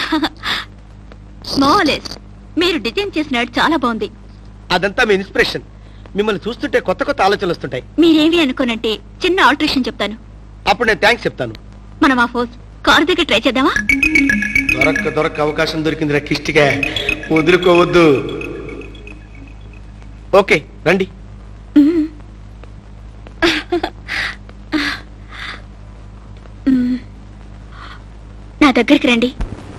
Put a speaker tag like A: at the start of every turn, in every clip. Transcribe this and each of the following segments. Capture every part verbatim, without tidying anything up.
A: మోలెస్ మీరు డిజైన్ చేసిన చాలా బాగుంది.
B: అదంతా మీ ఇన్స్పిరేషన్. మిమ్మల్ని చూస్తుంటే కొత్త కొత్త ఆలోచనలు వస్తుంటాయి.
A: మీరేమి అనుకోనంటే చిన్న ఆల్టరేషన్ చెప్తాను.
B: అప్పుడు నేను థ్యాంక్స్ చెప్తాను.
A: మనం ఆ ఫోర్స్ కారు దగ్గర ట్రై చేద్దామా?
B: దొరక్క దొరక్క అవకాశం దొరికింది కిష్టిగా, వదులుకోవద్దు. ఓకే రండి.
A: నా దగ్గరికి రండి.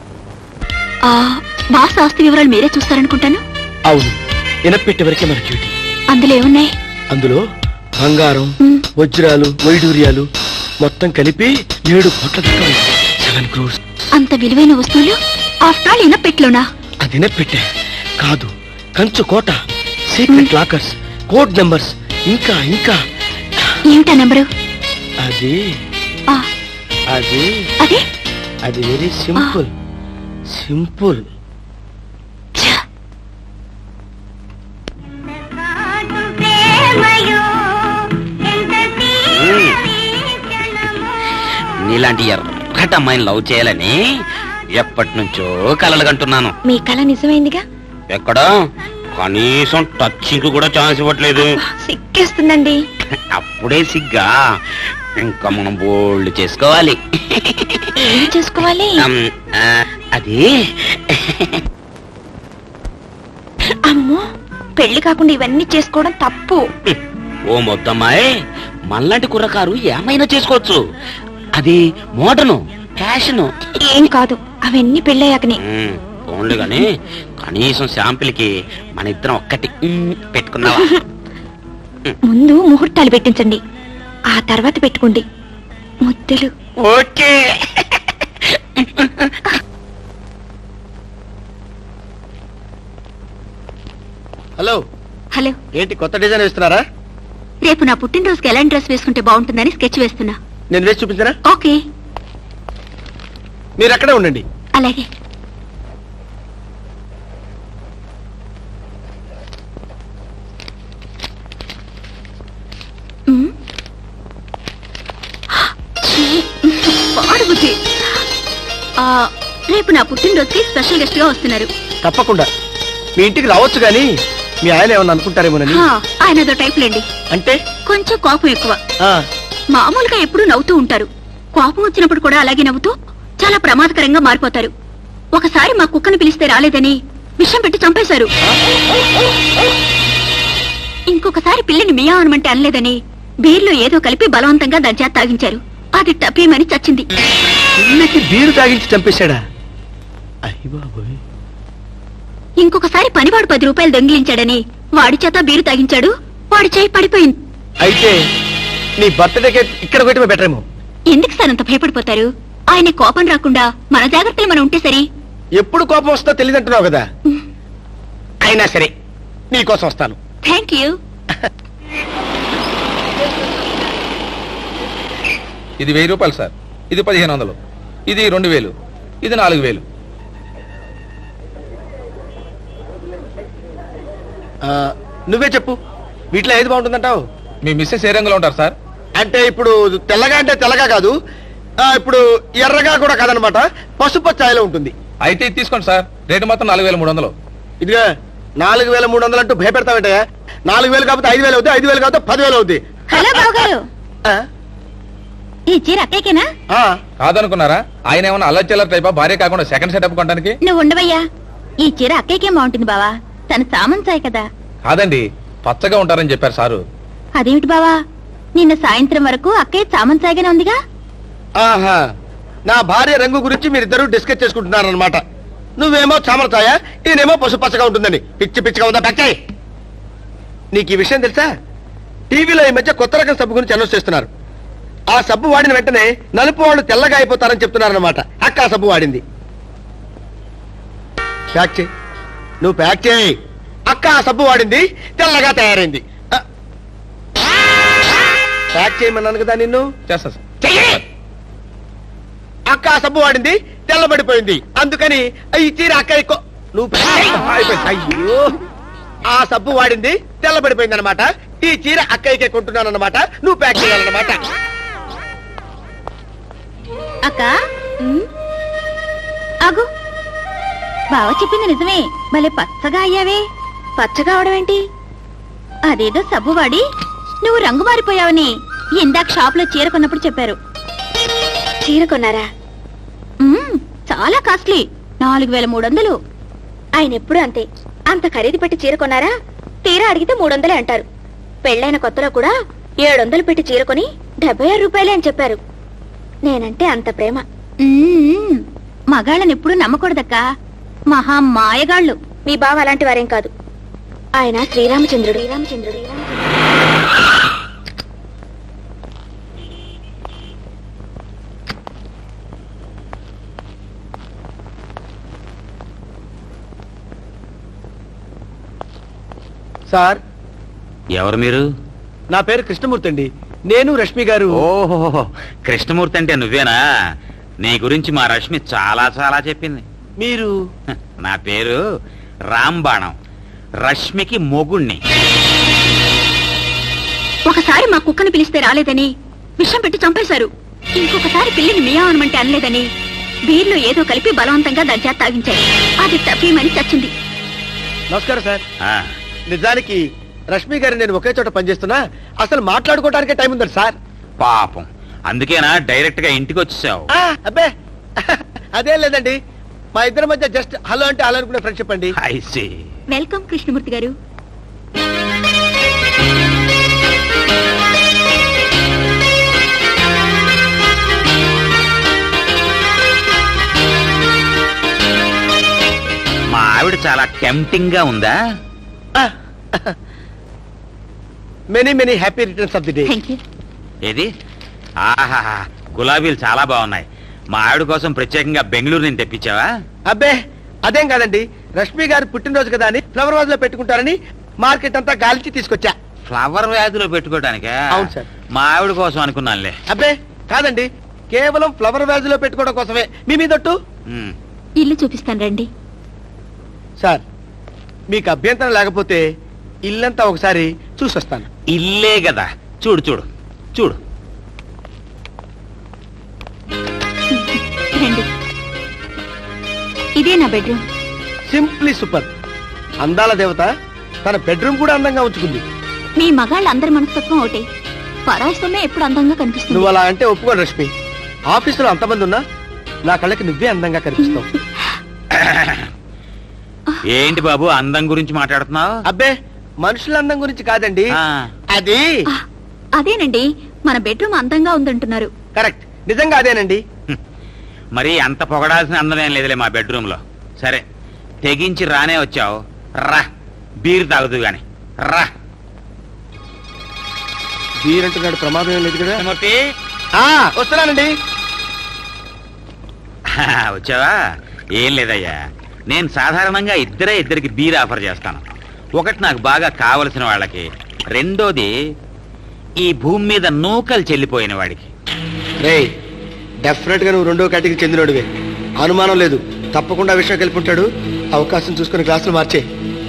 A: బాస్ ఆస్తి వివరాలు మీరే చూస్తారనుకుంటాను.
B: అవును, వినపెట్టే వరకే మన డ్యూటీ.
A: అందులో ఏమున్నాయి?
B: అందులో బంగారం, వజ్రాలు, వైడూర్యాలు మొత్తం కలిపి ఏడు కోట్ల దాకా సెవెన్ క్రోర్స్.
A: అంత విలువైన వస్తువులు ఆఫ్టర్ ఆల్ ఇనపెట్లోనా?
B: అది ఇనపెట్టే కాదు, కంచు కోట, సీక్రెట్ లాకర్స్, కోడ్ నెంబర్స్, ఇంకా ఇంకా.
A: ఏమిటా నెంబరు?
B: అది అది
A: అది
B: అది వెరీ సింపుల్. సింపుల్.
C: నీలాంటి ఎర్రటి అమ్మాయిని లవ్ చేయాలని ఎప్పటి నుంచో కలలు కంటున్నాను.
A: మీ కళ నిజమైందిగా?
C: ఎక్కడా కనీసం టచింగ్ కూడా ఛాన్స్ ఇవ్వట్లేదు.
A: సిగ్గేస్తుందండి.
C: అప్పుడే సిగ్గా? ఇంకా మనం బోల్డ్ చేసుకోవాలి.
A: ఏం చేసుకోవాలి?
C: అది
A: అమ్మో, పెళ్లి కాకుండా ఇవన్నీ చేసుకోవడం తప్పు.
C: ఓ మొత్తమ్మాయి, మనలాంటి కుర్రకారు ఏమైనా చేసుకోవచ్చు. అది మోడర్ను, ఫ్యాషను.
A: ఏం కాదు, అవన్నీ పెళ్ళయ్యాకనే.
C: ఓన్లీ గాని కనీసం శాంపిల్ కి మన ఇద్దరం ఒక్కటి పెట్టుకున్నావా?
A: ముందు ముహూర్తాలు పెట్టించండి, ఆ తర్వాత పెట్టుకోండి ముద్దలు.
C: ఓకే.
B: హలో.
A: హలో.
B: ఏంటి కొత్త డిజైన్ వేస్తున్నారా?
A: రేపు నా పుట్టినరోజుకి ఎలాంటి డ్రెస్ వేసుకుంటే బాగుంటుందని స్కెచ్ వేస్తున్నా.
B: నేను వేసి చూపించరా?
A: ఓకే,
B: మీరు అక్కడే ఉండండి.
A: అలాగే. పాడుబుద్ధి. రేపు నా పుట్టినరోజుకి స్పెషల్ గెస్ట్ గా వస్తున్నారు.
B: తప్పకుండా మీ ఇంటికి రావచ్చు, గాని మీ ఆయన ఏమన్నా అనుకుంటారేమోనని.
A: ఆయన అదో టైప్ లేండి.
B: అంటే
A: కొంచెం కోపం ఎక్కువ. మామూలుగా ఎప్పుడూ నవ్వుతూ ఉంటారు, కోపం వచ్చినప్పుడు కూడా అలాగే నవ్వుతూ చాలా ప్రమాదకరంగా మారిపోతారు. ఒకసారి మా కుక్కను పిలిస్తే రాలేదని విషం పెట్టి చంపేశారు. ఇంకొకసారి పిల్లిని మియా అనమంటే అనలేదని బీర్లో ఏదో కలిపి బలవంతంగా దంచా తాగించారు. అది టపేమని చచ్చింది.
B: పిల్లికి బీరు తాగించి చంపేశాడా? అయ్య బాబోయ్.
A: ఇంకొకసారి పనివాడు పది రూపాయలు దొంగిలించాడని వాడి చేత బీరు తాగించాడు, వాడి చేయి పడిపోయింది.
B: అయితే నీ బర్త్డేకి ఇక్కడ పెట్టమే బెటర్ ఏమో.
A: ఎందుకు సార్ అంత భయపడిపోతారు? ఆయన కోపం రాకుండా మన జాగ్రత్తలు మనం ఉంటే సరి.
B: ఎప్పుడు కోపం వస్తుందో తెలియదంటున్నావు కదా. అయినా సరే నీకోసం వస్తాను.
A: Thank you.
D: ఇది వెయ్యి రూపాయలు సార్, ఇది పదిహేను వందలు, ఇది రెండు వేలు, ఇది నాలుగు వేలు.
B: నువ్వే చెప్పు, వీటిలో ఏది బాగుంటుందంటావు?
D: మీ మిస్సెస్ ఏ రంగులో ఉంటారు సార్?
B: అంటే ఇప్పుడు తెల్లగా అంటే తెల్లగా కాదు, ఇప్పుడు ఎర్రగా కూడా కాదనమాట, పసుపు ఛాయలో ఉంటుంది.
D: అయితే ఇది తీసుకోండి సార్, రేటు మొత్తం నాలుగు వేల మూడు వందలు.
B: ఇదిగా నాలుగు వేల మూడు వందలు అంటూ భయపెడతామంటే నాలుగు వేలు కాకపోతే ఐదు వేలు అవుతుంది, ఐదు వేలు కాకపోతే పదివేలు అవుతుంది.
A: హలో బాబు గారు, ఈ చీర అక్కయ్యకేనా?
D: కాదనుకున్నారా? ఆయన ఏమన్నా అల్లచెల్లర్ టైపా, భార్య కాకుండా సెకండ్ సెటప్ కొనడానికి?
A: నువ్వు ఉండవయ్యా, ఈ చీర అక్కయ్యకే బాగుంటుంది బావా, తన సామంతాయి కదా.
D: కాదండి, పచ్చగా ఉంటారని చెప్పారు సారు.
A: అదేమిటి బావా, నిన్న సాయంత్రం వరకు అక్కయ్య సామంతాయిగానే ఉందిగా.
B: ఆహా, నా భార్య రంగు గురించి మీరిద్దరూ డిస్కస్ చేసుకుంటున్నారు అనమాట. నువ్వేమో చామరచాయ, ఈయనేమో పసుపచ్చగా ఉంటుందని. పిచ్చి పిచ్చిగా ఉందా పక్కే? నీకు ఈ విషయం తెలుసా? టీవీలో ఈ మధ్య కొత్త రకం సబ్బు గురించి అనౌన్స్ చేస్తున్నారు. ఆ సబ్బు వాడిన వెంటనే నలుపు వాళ్ళు తెల్లగా అయిపోతారని చెప్తున్నారన్నమాట. అక్క ఆ సబ్బు వాడింది. ప్యాక్ చేయి, నువ్వు ప్యాక్ చేయి. అక్క ఆ సబ్బు వాడింది, తెల్లగా తయారైంది. ప్యాక్ చేయమన్నాను కదా నిన్ను.
D: చేస్తా సార్.
B: అక్క ఆ సబ్బు వాడింది, తెల్లబడిపోయింది. అందుకని ఈ చీర అక్క ఎక్కువ. నువ్వు అయ్యో, ఆ సబ్బు వాడింది, తెల్లబడిపోయింది అనమాట. ఈ చీర అక్కయ్యకే కొంటున్నాను అనమాట. నువ్వు ప్యాక్ చేయాలన్నమాట.
A: అక్క ఆగు, బావ చెప్పింది నిజమే, భలే పచ్చగా అయ్యావే. పచ్చగా అవడం ఏంటి? అదేదో సబ్బు వాడి నువ్వు రంగు మారిపోయావని ఇందాక షాప్ లో చీర కొన్నప్పుడు చెప్పారు. చీర కొన్నారా? మ్మ్, చాలా కాస్ట్లీ, నాలుగు వేల మూడు వందలు. ఆయన ఎప్పుడు అంతే, అంత ఖరీదు పెట్టి చీర కొన్నారా? తీరా అడిగితే మూడు వందలే అంటారు. పెళ్ళైన కొత్తలో కూడా ఏడు వందలు పెట్టి చీర కొని డెబ్బై ఆరు రూపాయలే అని చెప్పారు. నేనంటే అంత ప్రేమ. మగాళ్ళని ఎప్పుడు నమ్మకూడదక్కా, మహా మాయగాళ్ళు. మీ బావ అలాంటి వారేం కాదు, ఆయన శ్రీరామచంద్రుడు. శ్రీరామచంద్రుడు
B: సార్,
C: ఎవరు మీరు?
B: నా పేరు కృష్ణమూర్తి అండి. నేను రష్మి గారు.
C: ఓహో, కృష్ణమూర్తి అంటే నువ్వేనా? నీ గురించి మా రష్మి చాలా చాలా చెప్పింది.
B: మీరు?
C: హ, నా పేరు రాంబాణం, రష్మికి మొగుణ్ణి.
A: ఒకసారి మా కుక్కను పిలిస్తే రాలేదని విషం పెట్టి చంపేశారు. ఇంకొకసారి పిల్లిని మియావనమంటే అనలేదని బీర్లో ఏదో కలిపి బలవంతంగా దాని చేత తాగించారు. అది తప్పేమని చచ్చింది.
B: నమస్కారం సార్.
C: ఆ,
B: నిజానికి రష్మి గారు నేను ఒకే చోట పనిచేస్తున్నా, అసలు మాట్లాడుకోవడానికే టైం ఉందండి సార్.
C: పాపం, అందుకేనా డైరెక్ట్ గా ఇంటికి వచ్చేసావు?
B: ఆ, అబ్బే అదేం లేదండి, మా ఇద్దరి మధ్య జస్ట్ హలో అంటే హలో అనుకునే ఫ్రెండ్షిప్ అండి.
C: I see.
A: వెల్కమ్ కృష్ణమూర్తి గారు.
C: మా ఆవిడ చాలా టెంప్టింగ్ గా ఉందా?
B: Many many happy returns of the day.
A: Thank you.
C: ఏది? ఆహా, గులాబీలు చాలా బాగున్నాయి. మా ఆవిడ కోసం ప్రత్యేకంగా బెంగళూరు నుంచి తెప్పించావా?
B: అబ్బే అదేం కాదండి, రష్మి గారు పుట్టినరోజు కదా అని ఫ్లవర్ వాజ్ లో పెట్టుకుంటారని మార్కెట్ అంతా గాలికి తీసుకొచ్చా.
C: ఫ్లవర్ వ్యాధిలో పెట్టుకోవడానికా?
B: అవును సార్.
C: మా ఆవిడ కోసం అనుకున్నానులే.
B: అబ్బే కాదండి, కేవలం ఫ్లవర్ వ్యాజ్ లో పెట్టుకోవడం కోసమే. మీ మీదొట్టు.
C: ఉమ్.
A: ఇల్లు చూపిస్తాను రండి.
B: సార్, మీకు అభ్యంతరం లేకపోతే ఇల్లంతా ఒకసారి చూసొస్తాను.
C: ఇల్లే కదా, చూడు చూడు చూడు.
A: రండి, ఇదే నా బెడ్రూమ్.
B: Simply super. అందాల దేవత తన బెడ్రూమ్ కూడా అందంగా ఉంచుకుంది.
A: మీ మగాళ్ళ అందరి మనస్తత్వం ఒకటే, పరాయిస్తూనే ఎప్పుడు అందంగా కనిపిస్తుంది.
B: నువ్వు అలా అంటే ఒప్పుకోను రష్మి. ఆఫీసులో అంతమంది ఉన్నా నా కళ్ళకి నువ్వే అందంగా కనిపిస్తావు.
C: ఏంటి బాబు అందం గురించి మాట్లాడుతున్నావు?
B: అబ్బే మనుషుల అందం గురించి కాదండి,
C: ఆ,
B: అది
A: ఆ, అదేనండి, మన బెడ్రూమ్ అందంగా ఉందంటున్నారు.
B: కరెక్ట్, నిజంగా అదేనండి.
C: మరి అంత పొగడాల్సిన అందమేం లేదులే మా బెడ్రూమ్ లో. సరే, తెగించి రానే వచ్చావు, రా బీర్ తాగుతూ గాని రా.
B: వీరంటున్నాడు, ప్రమాదం ఏం లేదు కదా.
C: మూర్తి,
B: ఆ, వస్తున్నానండి.
C: వచ్చావా? ఏం లేదయ్యా, నేను సాధారణంగా ఇద్దరే ఇద్దరికి బీర్ ఆఫర్ చేస్తాను. ఒకటి నాకు బాగా కావలసిన వాళ్ళకి, రెండోది ఈ భూమి మీద నూకలు చెల్లిపోయిన వాడికి.
B: రే, డెఫినెట్ గా నువ్వు రెండో కేటగిరీ చెందినోడివే, అనుమానం లేదు. తప్పకుండా విషయం కలిపి ఉంటాడు. అవకాశం చూసుకుని గ్లాసులు మార్చే.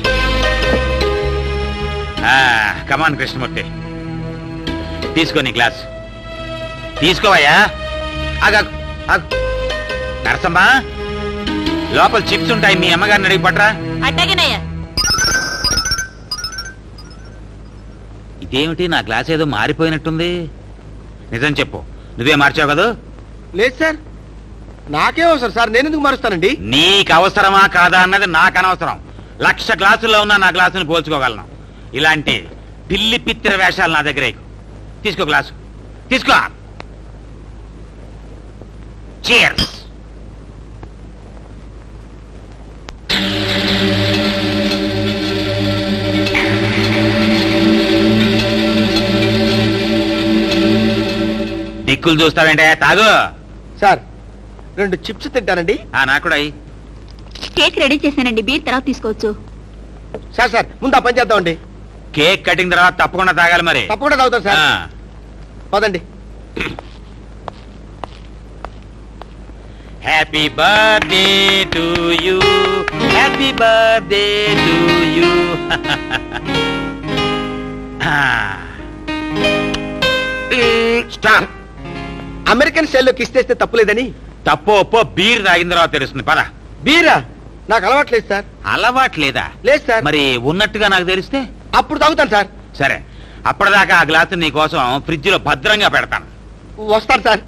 C: కమాన్ కృష్ణమూర్తి, తీసుకో నీ గ్లాస్. తీసుకోవయ్యా. ఆగా నరసమ్మా, లోపల చిప్స్ ఉంటాయి, మీ అమ్మగారిని అడిగి పట్రా.
A: అట్టగనయ్యా.
C: ఇదేమిటి, నా గ్లాస్ ఏదో మారిపోయినట్టుంది. నిజం చెప్పు, నువ్వే మార్చావు కదా?
B: లేదు సార్, నాకే అవసరం సార్, నేను ఎందుకు మారుస్తానండి?
C: నీకు అవసరమా కాదా అన్నది నాకు అనవసరం. లక్ష గ్లాసుల్లో ఉన్న నా గ్లాసుని పోల్చుకోగలను. ఇలాంటి పిల్లి పిత్తిర వేషాలు నా దగ్గర ఎక్కువ. తీసుకో గ్లాసు, తీసుకో. Cheers. దిక్కులు చూస్తావేంటే, తాగు.
B: సార్, రెండు చిప్స్ తింటానండి.
C: ఆ, నాకు కూడా అయ్యి.
A: కేక్ రెడీ చేశానండి, బీర్ తర్వాత తీసుకోవచ్చు.
B: సార్ సార్ ముందు ఆ పని చేద్దామండి.
C: కేక్ కటింగ్ తర్వాత తప్పకుండా తాగాలి మరి.
B: తప్పకుండా తాగుతాను సార్.
C: ఆ.
B: పదండి.
C: Happy birthday to you, happy birthday to you. Stop.
B: American స్టైల్లో కిస్ చేస్తే తప్పులేదని.
C: తప్పు ఒప్పో బీర్ తాగిన తర్వాత తెలుస్తుంది. పద.
B: బీరా? నాకు అలవాట్లేదు సార్.
C: అలవాట్లేదా?
B: లేదు సార్.
C: మరి ఉన్నట్టుగా నాకు తెలిస్తే
B: అప్పుడు తాగుతాను సార్.
C: సరే, అప్పటిదాకా ఆ గ్లాసు నీ కోసం ఫ్రిడ్జ్ లో భద్రంగా పెడతాను.
B: వస్తాను సార్.